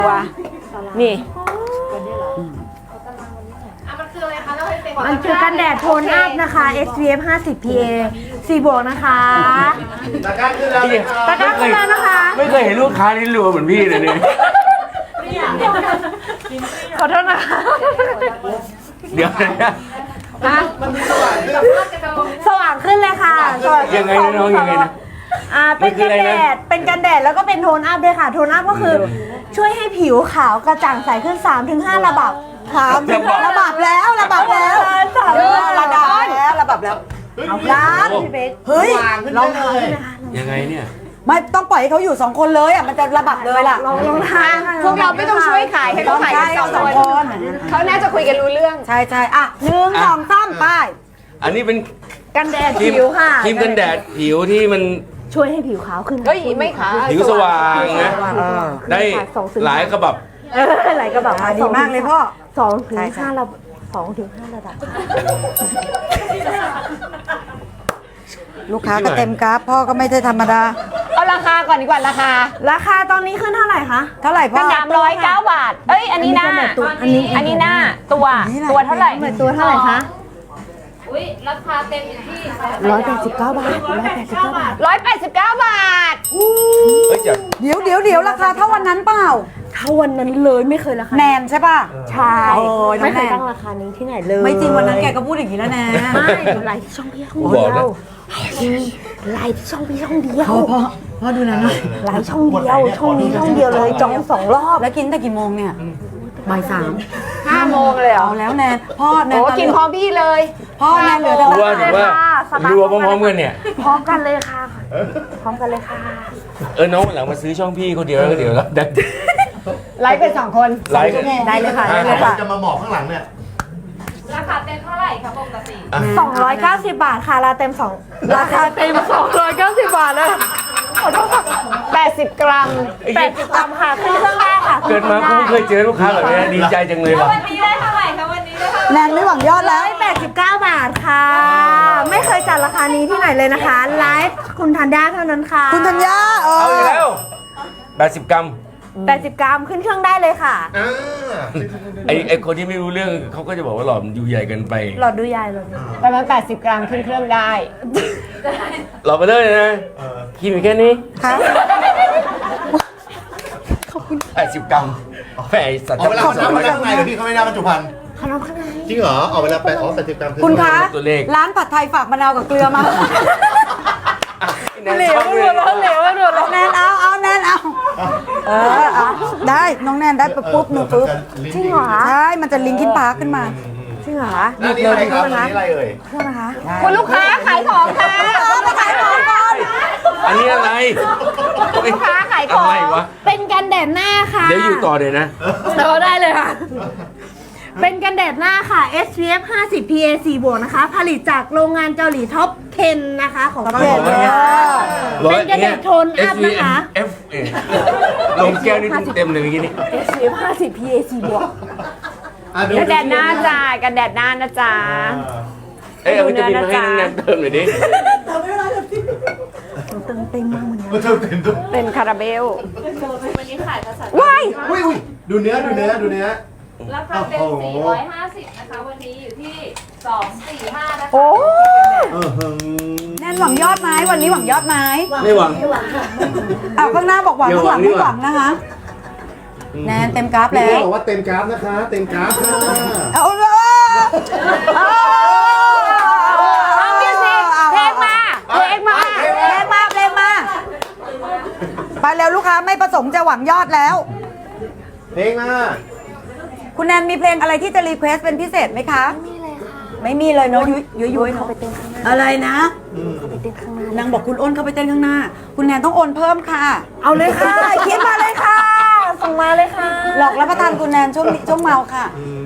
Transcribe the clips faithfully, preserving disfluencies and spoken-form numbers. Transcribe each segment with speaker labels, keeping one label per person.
Speaker 1: ตัวนี่มันคือกันแดดโทนอัพนะคะ เอส พี เอฟ ห้าสิบ พี เอ สี่บวกนะคะ
Speaker 2: ตะกร้าขึ้นแล้ว
Speaker 1: ตะกร้าขึ้นแล้วนะคะ
Speaker 3: ไม่เคยเห็นลูกค้านี่รัวเหมือนพี่เลยเนี่ย
Speaker 1: ขอโทษนะคะ
Speaker 3: เดี๋ยวนะ
Speaker 1: สว่างขึ้นเลยค่ะ
Speaker 3: ยังไงนะน้องยังไงนะ
Speaker 1: อ่าเป็นกันแดดเป็นกันแดดแล้วก็เป็นโทนอัพด้วยค่ะโทนอัพก็คือช่วยให้ผิวขาวกระจ่างใสขึ้น สามถึงห้า ระดับค่ะระดับแล้วระดับแล้วระดับแล้วระดับแล้วเอาล้านเฮ้ยลองเลย
Speaker 3: ยังไงเนี่ย
Speaker 4: ไม่ต้องปล่อยให้เขาอยู่สองคนเลยอ่ะมันจะระบัดเลยล่ะ
Speaker 1: ลองลองทาน
Speaker 5: พวกเราไม่ต้องช่วยขายให้เขาขายกันสอง
Speaker 4: สอง
Speaker 5: ค
Speaker 4: คน น
Speaker 5: เขาน่าจะคุยกันรู้เรื่อง
Speaker 4: ใช่ใช่อ่ะหนึ่งสองสามไป
Speaker 3: อันนี้เป็น
Speaker 1: กันแดด
Speaker 3: ครีม
Speaker 1: ผิวค่ะ
Speaker 3: ครีมกันแดดผิวที่มัน
Speaker 1: ช่วยให้ผิวขาวขึ้น
Speaker 5: เฮ้ยไม่ขาย
Speaker 3: ผิวสว่างนะได้หลายกระบับ
Speaker 1: เออหลายกระบอก
Speaker 4: อ่ะดีมากเลยพ่อ
Speaker 1: สองถึง
Speaker 4: ใช่ใช่
Speaker 1: ห้าระดับสองถึงห้าระดับ
Speaker 4: ลูกค้าก็เต็มกราฟพ่อก็ไม่ได้ธรรมดา
Speaker 5: เอาราคาก่อนดีกว่าราคา
Speaker 1: ราคาตอนนี้ขึ้นเท่าไหร่คะ
Speaker 4: เท่าไหร่พ่
Speaker 5: กั
Speaker 4: อน
Speaker 5: ดามร้อยเก้าบาท เอ้ยอันนี้หน้า
Speaker 1: อันนี้
Speaker 5: อันนี้หน้าตัวตัวเท่าไหร่
Speaker 1: เหมือนตัวเท่าไหร่คะ
Speaker 6: อุ้ยราคาเต็มอยู่ที่
Speaker 1: ร้อยแปดสิบเก้าบาทร้อยแปดสิบเก้าบาท
Speaker 5: ร้อยแปดสิบเก้าบาท
Speaker 3: เฮ้ยจะ
Speaker 4: เดี๋ยวเดี๋ยวเดี๋ยวราคาเท่าวันนั้นเปล่า
Speaker 1: เท่าวันนั้นเลยไม่เคยราคา
Speaker 4: แนนใช่ป่ะ
Speaker 1: ใช่
Speaker 4: โอ้ยน้อง
Speaker 1: ไม่เคย
Speaker 4: แนน
Speaker 1: ตั้งราคานี้ที่ไหนเลย
Speaker 4: ไม่จริงวันนั้นแกก็พูดอย่างนี้แล้วนะ
Speaker 1: ไม่ไลฟ์ช่องพี่ช่องเดียวไลฟ์ช่องพี่ช่องเดียว
Speaker 4: พ่อพ่อพ่อดูนะหน่อย
Speaker 1: ไลฟ์ช่องเดียวช่องนี้ช่องเดียวเลยจองสองรอบ
Speaker 4: แล้วกินแต่กี่โมงเนี่ยบ่ายสาม
Speaker 5: ห้าโมงเลยเหรอ
Speaker 4: เอาแล้วแนนพ่อแนน
Speaker 5: โอ้
Speaker 4: ตอน
Speaker 5: กินพร้อมพี่เลย
Speaker 4: พ่อแนนเหลือแต่
Speaker 3: รัวถือว่ารัวพร้อมๆกันเนี่ย
Speaker 1: พร้อมกันเลยค่ะ พร้อมกันเลยค่ะ
Speaker 3: เออน้องวันหลังมาซื้อช่องพี่คนเดียวแล้วก็เดี๋ยวแล้วดัน
Speaker 5: ไลฟ์เป็นสองคน
Speaker 3: ไลฟ์กัน
Speaker 1: ได้เลยค่ะได้เลยค่ะ
Speaker 2: จะมาหมอบข้างหลังเนี่ย
Speaker 6: ราคาเต็มเท่าไหร่คะปกติ
Speaker 1: สองร้อยเก้าสิบบาทค่ะราเต็มสองราคาเต็มสองร้อยเก้าสิบบาทเลยขอโทษค่ะ
Speaker 5: แปดสิบกรัม
Speaker 1: แปดสิบกรัมค่ะขึ้นเครื่องได้ค่ะ
Speaker 3: เกิดมากูไม่เคยเจอลูกค้าแบบนี้ดีใจจังเลย
Speaker 6: แล้ว
Speaker 3: ว่ะ
Speaker 6: วันนี้ได้เท่าไหร่คะวันนี้ได้เท่าไหร่
Speaker 4: แนนไม่หวังยอดแล้ว
Speaker 1: ร้อยแปดสิบเก้าบาทค่ะ ไม่เคยจัดราคานี้ที่ไหนเลยนะคะไลฟ์คุณธัญญาเท่านั้นค่ะ
Speaker 4: คุณธัญญาเอ
Speaker 3: เอาอีก
Speaker 4: อ
Speaker 3: แล้วแปดสิบกรัม
Speaker 1: แปดสิบกรัมขึ้นเครื่องได้เลยค่ะ
Speaker 2: อ่า
Speaker 3: ไอไอคนที่ไม่รู้เรื่องเขาก็จะบอกว่าหลอดมันอยู่ใหญ่เกินไป
Speaker 1: หลอดดูยายหลอดดู
Speaker 5: ประมาณแปดสิบกรัมขึ้นเครื่องได้
Speaker 3: หลอดไปเลยนะคิดมีแค่นี้
Speaker 4: ค่ะ
Speaker 3: แปดสิบกรัมแฝงสัตว์
Speaker 2: เอาเวลาเขานับมาข้างในเดี๋ยวพี่เขาไม่นับบรรจุภัณฑ์
Speaker 1: ขนมข้างใน
Speaker 2: จริงเหรอเอาเวลาแปดอ๋อแปดสิบกรัม
Speaker 4: คุณคะ
Speaker 3: ตัวเลข
Speaker 4: ร้านผัดไทยฝากมะนาวกับเกลือมา
Speaker 3: เหลวเหลวเหลว
Speaker 4: แนนเอาเอาแนนเอาเออเอาได้น้องแนนได้ปุ๊บหนูปุ๊บ
Speaker 1: จริงเหรอ
Speaker 4: ใช่มันจะลิงกิ้นพาร์คขึ้นมา
Speaker 1: จริงเหรอ
Speaker 2: อันนี้อะไรครับอันนี้อะไรเอ่ย
Speaker 1: เครื่องนะคะ
Speaker 5: คุณลูกค้าขายของค่ะ
Speaker 4: มาขายของก่อน
Speaker 3: อันนี้อะไร
Speaker 5: ลูกค้าขายของ
Speaker 3: อะไรวะ
Speaker 1: เป็นกันแดดหน้าค่ะ
Speaker 3: เดี๋ยวอยู่ต่อเลยนะ
Speaker 1: เราได้เลยค่ะ เป็นกันแดดหน้าค่ะ เอส พี เอฟ ห้าสิบ พี เอ สี่บวกนะคะ ผลิตจากโรงงานเกาหลีท็อปสิบนะคะของ
Speaker 4: ท็อปสิบ
Speaker 1: เกาหลีเป็นกันแดดโทนอัพนะคะ
Speaker 3: F เอลงแก้วนี่เต็มเลยเมื่อกี้นี่
Speaker 1: เอส พี เอฟ ห้าสิบ พี เอ สี่บวก
Speaker 2: อ่ะ
Speaker 5: กันแดดหน้าจ้ากันแดดหน้านะจ๊ะ
Speaker 3: เอ้ยเอาวิตามินมาให้น้องแนนเติมหน่อยดิ
Speaker 1: เติมเต็มมากเหมือนกัน
Speaker 2: เออเติมเต็มด้วย
Speaker 5: เป็นคาราเบล
Speaker 6: วันนี้ขายภาษา
Speaker 5: ว้าย
Speaker 2: อุ้ยอุ้ยดูเนื้อดูเนื้อดูเนื้อ
Speaker 6: ราคาเต็มสี่ร้อยห้าสิบนะคะ วันนี้อยู่ที่สองสี่ห้านะคะ
Speaker 5: โอ้
Speaker 2: เออหือ
Speaker 4: แนนหวังยอดไหมวันนี้หวังยอดไหม
Speaker 3: ไม่หวัง
Speaker 4: เอาข้างหน้าบอกหวัง
Speaker 3: อย่า
Speaker 4: ข้าง
Speaker 3: ห
Speaker 4: ห
Speaker 3: วั
Speaker 4: ลั
Speaker 3: ง
Speaker 4: งไม่หวังนะคะ แนนเต็มกราฟ
Speaker 2: พี่
Speaker 4: แล้ว
Speaker 2: บอกว่าเต็มกราฟนะคะ เต็มกราฟค่ะ
Speaker 4: เอาเลย
Speaker 5: เอามิวสิกเพลงมาเพลงมา
Speaker 4: เพลงมาเพลงมา ไปแล้วลูกค้าไม่ประสงค์จะหวังยอดแล้ว
Speaker 2: เพลงมา
Speaker 4: คุณแนนมีเพลงอะไรที่จะรีเควสเป็นพิเศษไหมคะ ไม่มีเลยค่ะ ไม่มีเลยเนาะยุยยุยยุยเนาะอะไรนะนางบอกคุณอ้นเข้าไปเต้นข้างหน้า คุณแนนต้องโอนเพิ่มค่ะ
Speaker 1: เอาเลยค่ะคิดมาเลยค่ะ ส่งมาเลยค่ะ
Speaker 4: หลอกรับประทานคุณแนนช่วงนี้ช่วงเมาค่ะ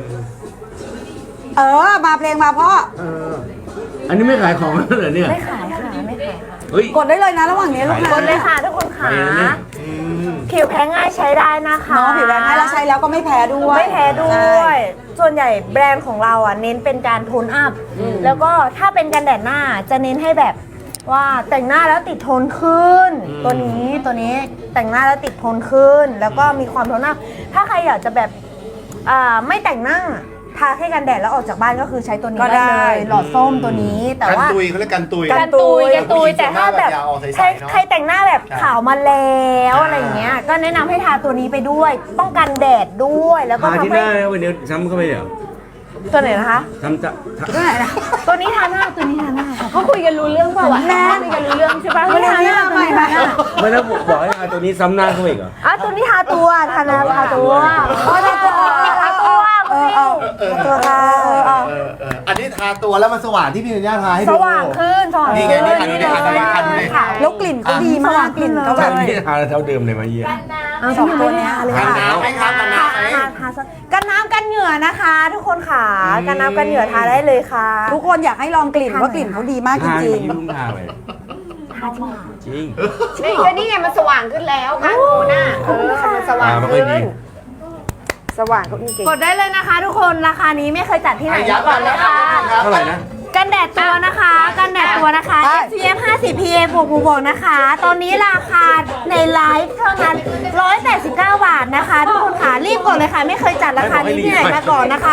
Speaker 4: เออ มาเพลงมาพ่อ
Speaker 2: เออ
Speaker 3: อันนี้ไม่ขายของแล้วเหรอเนี่ย
Speaker 1: ไม่ขายค่ะไม่ขายค่ะ
Speaker 3: เฮ้ย
Speaker 4: กดได้เลยนะระหว่างนี้ลูก
Speaker 1: ก
Speaker 4: ค้า
Speaker 1: ดเลยค่ะทุกคนค่ะ
Speaker 3: ไปแล้วเนี่ย
Speaker 2: อืม
Speaker 1: ผิวแพ้ง่ายใช้ได้นะคะ
Speaker 4: เนาะผิวแรงง่ายแล้วใช้แล้วก็ไม่แพ้ด้วย
Speaker 1: ไม่แพ้ด้
Speaker 4: ใช่
Speaker 1: วย ส่วนใหญ่แบรนด์ของเราอ่ะเน้นเป็นการโทนอัพ แล้วก็ถ้าเป็นกันแดดหน้าจะเน้นให้แบบว่าแต่งหน้าแล้วติดทนขึ้น ตัวนี้ตัวนี้แต่งหน้าแล้วติดทนขึ้น แล้วก็มีความทนหน้าถ้าใครอยากจะแบบอ่าไม่แต่งหน้าทาแค่กันแดดแล้วออกจากบ้านก็คือใช้ตัวนี้
Speaker 4: ก็ได้
Speaker 1: ได้เลยหลอดส้มตัวนี้แต่
Speaker 2: กัน
Speaker 1: ว่า
Speaker 2: ตุยเขาเรียกกันตุย
Speaker 1: กันตุยกันตุยแต่ถ้าแบบ
Speaker 2: ผู้หญิงส่วนมากแบบอยากออกใสๆ
Speaker 1: ใคร
Speaker 2: เนอะ
Speaker 1: ใครแต่งหน้าแบบ
Speaker 2: ใช่
Speaker 1: ขาวมาแล้วอะไรอย่างเงี้ยก็แนะนำให้ทาตัวนี้ไปด้วย ป้องกันแดดด้วยแล้วก็
Speaker 3: ทาที่
Speaker 1: ทำ
Speaker 3: ห
Speaker 1: ให้
Speaker 3: น้านะวันนี้ซ้ำเข้าไปเดี๋ยว
Speaker 1: ตัวไหนนะคะ
Speaker 3: ทำจะทำ
Speaker 4: ก็ไหนนะ
Speaker 1: ตัวนี้ทาหน้าตัวนี้ทาหน้าค่ะ
Speaker 6: เขาคุยกันรู้เรื่องเปล่าวะคุยกันรู้เรื่องใช่ปะ
Speaker 4: วันนี้ทำใหม่ค่ะ
Speaker 3: ไม่แล้วบอกให้ทาตัวนี้ซ้ำหน้าเข้าไปอีกเหรอ
Speaker 1: อ่ะตัวนี้ทาตัวทาหน้าทาตัวอ๋อทาตัวทาตัว
Speaker 4: เออเอา
Speaker 2: เออ
Speaker 1: ตัวค่ะเออเอา
Speaker 2: เออเอออันนี้ทาตัวแล้วมันสว่างที่พี่ธัญญาทาให้
Speaker 1: ส
Speaker 2: ดู
Speaker 1: ว่างขึ้นสว่าง
Speaker 2: นี่
Speaker 1: ขึ้น
Speaker 2: ไงนี่อันนี้นี่อันนี้อันนี้
Speaker 1: ค่ะ
Speaker 4: แล้วกลิ่นเขาดีมากกลิ่นเขาแบบ
Speaker 3: ไม่ทาเท่าเดิมเลยมาเยี่ย
Speaker 6: กันน้
Speaker 1: เอาสองตัวเนี้ยเลย
Speaker 2: กัน
Speaker 1: ค่ะ
Speaker 2: น้ำไหมครับกันน้ำไหม
Speaker 1: ทาทาทากันน้ำกันเหงื่อนะคะ ทุกคนค่ะกันน้ำกันเหงื่อทาได้เลยค่ะ
Speaker 4: ทุกคนอยากให้ลองกลิ่นว่ากลิ่นเขาดีมากจ
Speaker 3: ทา
Speaker 4: ริง
Speaker 3: ไม่ยุ่งทาไปจริง
Speaker 5: นี่ก็นี่ไงมันสว่างขึ้นแล้วค่ะหนูน่ะเออมันสว่าง
Speaker 3: ทาไม่ค่อย
Speaker 5: ขึ้
Speaker 3: ดี
Speaker 5: นสว่างก็จริง
Speaker 1: กดได้เลยนะคะ ทุกคนราคานี้ไม่เคยจัดที่ไหนมาก่อนเลยค่ะ
Speaker 3: เท่าไหร่นะ
Speaker 1: กันแดดตัวนะคะ กันแดดตัวนะคะ เอส พี เอฟ ห้าสิบ พี เอ บวกบวกบวกนะคะ ตอนนี้ราคาในไลฟ์เท่านั้นหนึ่งร้อยแปดสิบเก้าบาทนะคะ ทุกคนค่ะรีบกดเลยค่ะ ไม่เคยจัดราคานี้ที่ไหนมาก่อนนะคะ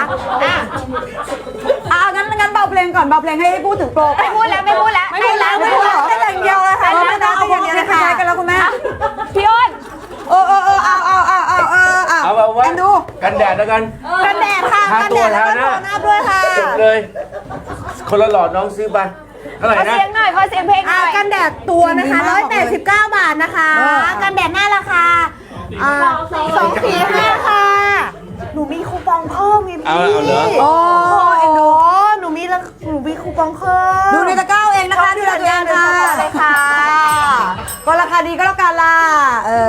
Speaker 4: ๆอ่ะงั้นงั้นเบาเพลงก่อนเบาเพลงให้ให้พูดถึงโปร
Speaker 5: ไม่พูดแล้วไม่พูดแล้ว
Speaker 1: ไม่พูดแล้วไม่พูดแล้วได้อย่างเดียวเลยค่ะ
Speaker 4: เออไม่ต้องเอาอย่างเดียวนะคะ
Speaker 1: ค่ะ
Speaker 4: กันแล้วคุณแม่
Speaker 5: พี่อ้น
Speaker 4: เออเออเออเอาเอาเอาเอาเอาเอา
Speaker 3: เอาเอาไว้
Speaker 4: แอนดู
Speaker 3: กันแดดแล้วกัน
Speaker 1: กันแดดค่ะ
Speaker 3: ทา
Speaker 1: กัน
Speaker 3: ตั
Speaker 1: แด
Speaker 3: ว
Speaker 1: ดแล้วก็
Speaker 3: ทาหน้า
Speaker 1: โทนอัพด้วยค่ะ
Speaker 3: จบเลย คนละหลอดน้องซื้อไปเท่าไหร่
Speaker 5: ขอ
Speaker 3: นะ
Speaker 5: เสียงหน่อยขอเสียงเพลงห
Speaker 1: อ่า
Speaker 5: น่อย
Speaker 1: กันแดดตัวนะคะหนึ่งร้อยแปดสิบเก้าบาทนะคะ กันแดดหน้าราคาอ่าสองสี่ห้าค่ะ หนูมีคูปองเพิ่มไงพี่
Speaker 3: เอาเอาเหรอ
Speaker 1: โอ้เอ็นดูหนูมีละหนูมีคูปองเพิ่ม
Speaker 4: ดูในตะกร้าเองนะคะดูแลตัวเองค่ะ
Speaker 1: เลยค่ะ
Speaker 4: ก็ราคาดีก็แล้วกันล่ะเออ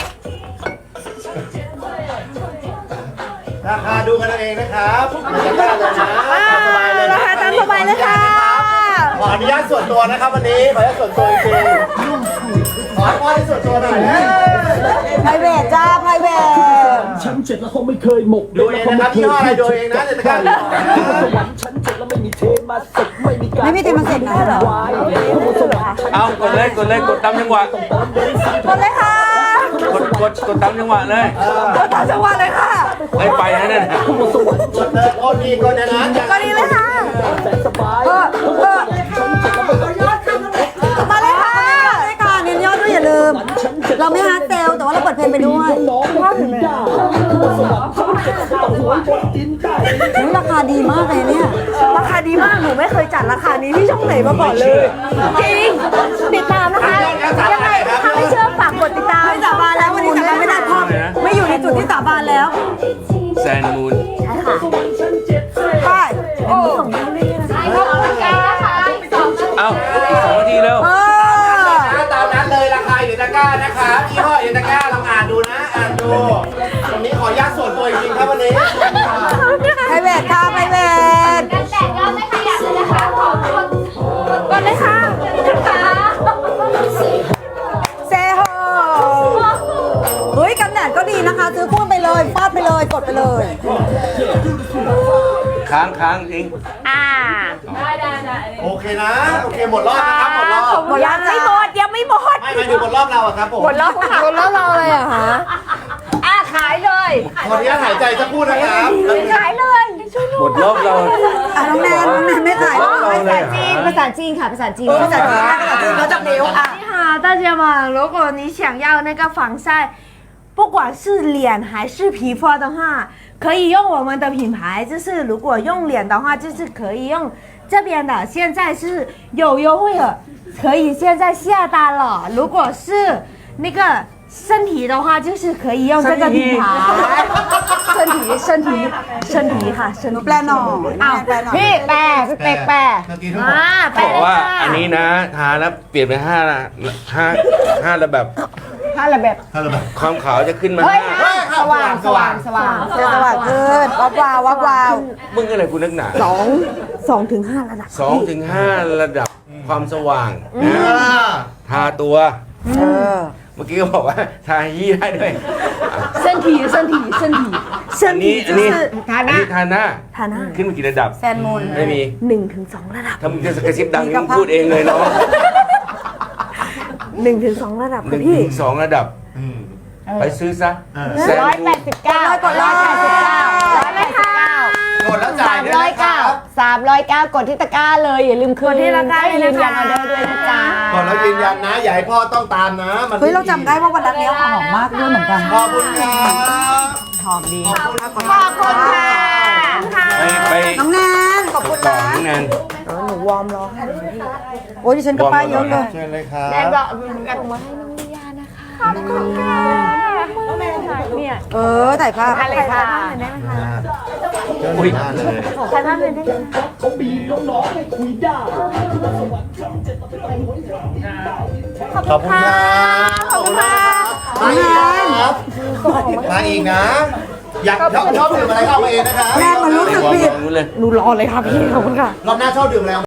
Speaker 2: ราคาดูกันเอาเองนะครับอย่าได้เลยนะตามสบายเลย
Speaker 1: ราคาตามสบายเลยค่ะ
Speaker 2: ขออนุญาตส่วนตัวนะครับวันนี้ขออนุญาตส่วนตัวจริงๆขออนุญาตส่วนตัวหน่อยนะ
Speaker 4: ไพรเวทจ้าไพรเวท
Speaker 7: ฉันเจ็ดแล้วเขาไม่เคยหมก
Speaker 2: ดูเองนะครับยี่ห้ออะไรดูเองนะเดี๋ยวจะกัน
Speaker 7: สวรรค์ฉันเจ็ดแล้วไม่มีเทมาเสร็จไม่มีการ
Speaker 4: ไม่มีเทมาเสร็จนะเหรอ
Speaker 7: วายสวรรค์ฉัน
Speaker 3: เอากดเลยกดเลยกดตามจังหวะ
Speaker 1: กดเลยค่ะ
Speaker 3: กดกดกดตามจังหวะเลย
Speaker 4: ตามจังหวะเลยค่ะ
Speaker 3: ไอ้ไปนะเนี่ย
Speaker 7: สวรรค์
Speaker 2: กดเลยโอ้ดีกดอย่างนั้นอย่าง
Speaker 1: ก็
Speaker 2: นั้น
Speaker 1: ดีเลยค่ะ
Speaker 7: แต่สบาย
Speaker 4: เออเออ
Speaker 7: ฉันเจ็ดแล้วไม่มี
Speaker 1: มาเลยค่ะ
Speaker 4: ได้ค่ะเน้นยอดด้วยอย่าลืม เราไม่ฮาร์ดเซลแต่ว่าเราเปิดเพลงไปด้วย
Speaker 7: น้องไม่ถึงได้สวรรค์ฉันเจ็ดแล้วต้องหัวบนดินได้
Speaker 4: อุ๊ยราคาดีมากเลยเนี่ย
Speaker 1: ราคาดีมาก หนูไม่เคยจัดราคานี้ที่ช่องไหนมาก่อนเลย จริง ติดตามนะคะ ยังไงถ้าไม่เชื่อฝากกดติดตาม
Speaker 4: ไม่สาบานแล้ววันนี้สาบานไม่ได้พ่อไม่อยู่ในจุดที่สาบานแล้ว
Speaker 3: แซนมูน
Speaker 4: ไป
Speaker 5: โอ้ขอบคุณค่ะสองนาที
Speaker 3: เอาอีกสองนาทีเร็ว
Speaker 4: เออ
Speaker 2: ตามนั้นเลยราคาอยู่ในตะกร้านะครับยี่ห้ออยู่ในตะกร้าลองอ่านดูนะอ่านดูตรงนี้ขออนุญาตส่วนตัวจริงๆครับวันนี้
Speaker 4: ไพรเวทค่ะไพรเวท
Speaker 6: กันแดดยอดไม่ขยับเลยนะคะ ขอบคุณ
Speaker 1: กดเลยค่ะ
Speaker 6: นะคะ
Speaker 4: เซโฮเฮ้ยกันแดดก็ดีนะคะ ซื้อพ่วงไปเลยฟาดไปเลยกดไปเลย
Speaker 3: ค้างค้างจริง
Speaker 1: อ่า
Speaker 6: ได้ได้ได้
Speaker 2: โอเคนะโอเคหมดรอบนะครับหมดรอบ
Speaker 1: หมดยังไม่หมดยังไม่หมด
Speaker 2: ไม่ไม่ถึงหมดรอบเราอะครับผม
Speaker 5: หมดแล้วค่ะ
Speaker 1: หมดแล้วเราเลยเหรอคะ
Speaker 5: อ่ะขายเลย
Speaker 2: ขออนุญาตหายใจสักครู่นะครับ
Speaker 5: ขายเลย
Speaker 3: หมดรอบเรา
Speaker 4: อ่ะน้องแนนน้องแนนไม่ขาย
Speaker 3: รอบเราเลยเหรอ
Speaker 1: ภาษาจีนค่ะ ภาษาจีน
Speaker 4: เออภาษาจีนนะภาษาจีนเขาจะนิ้วอ่ะ
Speaker 1: 你好，大家们，如果你想要那个防晒，不管是脸还是皮肤的话，可以用我们的品牌。就是如果用脸的话，就是可以用这边的，现在是有优惠了，可以现在下单了。如果是那个身体的话，就是可以用这个品牌。身体，身体，身体哈，身体。
Speaker 4: แปลหน่อยแปลหน่อย
Speaker 5: พี่แปรพี่เป็กแปร
Speaker 2: เมื่อกี้ทั้งหมด
Speaker 1: 啊，
Speaker 3: บอกว่า
Speaker 1: 拜
Speaker 3: อันนี้นะทาแล้วเปลี่ยนเป็นห้าละห้าห้าระแบบ
Speaker 5: ถ้าระแบบ
Speaker 2: ฮัลโหล
Speaker 3: ความขาวจะขึ้นมา
Speaker 5: เฮ้ย
Speaker 3: ห้า
Speaker 5: สว่างสว่างสว่าง
Speaker 4: เจอสวัสดิ์ขึ้นวับวาววับวาว
Speaker 3: มึงอะไรกูนักหนา
Speaker 1: สองสองถึงห้าระดับ
Speaker 3: สองถึงห้าระดับความสว่างนะทาตัว
Speaker 4: เออ
Speaker 3: เมื่อกี้ก็บอกว่าทายี่ได้ด้วย
Speaker 5: 身
Speaker 7: 体身体身体
Speaker 3: อันนี้อันนี้ทานะทานะ
Speaker 1: ฐานะ
Speaker 3: ขึ้นมากี่ระดับ
Speaker 4: แซนมูน
Speaker 3: ไม่มี
Speaker 1: หนึ่งถึงสองระดับ
Speaker 3: ถ้ามึงจะกระซิบดังมึงพูดเองเลยเนาะ
Speaker 1: หนึ่งถึงสองระดับ
Speaker 3: หนึ่
Speaker 1: ค่ะ
Speaker 3: ง
Speaker 1: พี่
Speaker 3: ถึงสองระดับ ไปซื้อซะแซน
Speaker 5: ร้อย
Speaker 3: มู
Speaker 5: แป
Speaker 3: น
Speaker 5: ดสิบเก้าร้อยแปดสิบเก้าร้อยแปดสิบเก้าก
Speaker 2: ดแล้วจ่า
Speaker 5: สาย ม
Speaker 2: ด้วย
Speaker 5: ร้อย
Speaker 2: นะครั
Speaker 5: เก้า
Speaker 2: บ
Speaker 5: สามร้อยเก้ากดที่ตะกร้าเลยอย่าลืมคืน
Speaker 1: กดที่ตะกร้าเลยนะคะ
Speaker 5: ยืนยันออเดอร์ด้วยนะจ๊ะ
Speaker 2: กดแล้วยืนยันนะ อย่าให้พ่อต้องตามนะ มัน
Speaker 4: เฮ้ยเราจำได้ว่าวันนั้นเนี้ยหอมมากด้วยเหมือนกัน
Speaker 2: ขอบคุณครับ
Speaker 4: หอมดี
Speaker 2: ขอบคุณครับ
Speaker 5: ขอบคุณค่ะ
Speaker 3: ไปไป
Speaker 4: น้องแนนขอบคุณ
Speaker 3: ต่อ
Speaker 4: นะ
Speaker 3: น้องแนน
Speaker 1: หนูวอร์มรอให้
Speaker 4: โอ้ยดิฉันก็ป้ายเยอะเลย
Speaker 2: เชิญเลยครั
Speaker 5: แนน
Speaker 2: บ
Speaker 5: บอกส่งมาให้น้องลิยานะคะขอบคุณค่ะเนี่ย
Speaker 4: เออถ่ายภาพ
Speaker 5: อะไรค่ะ
Speaker 2: เชิญเลยหน้าเลย
Speaker 1: ใครบ้างเลยได้ไหม
Speaker 7: เขาบีบน้องๆให้คุยได้
Speaker 2: ขอบคุณครับขอบคุณครับมาอีกนะครับมาอีกนะ อยากชอบชอบดื่มอะไรเข้ามาเองนะครับ
Speaker 4: แม่มันรู้สึกผิด
Speaker 3: วางๆเลย
Speaker 1: หนูรอเลยค่ะพี่ขอบคุณค่ะ
Speaker 2: รอบหน้าชอบดื่มอะไร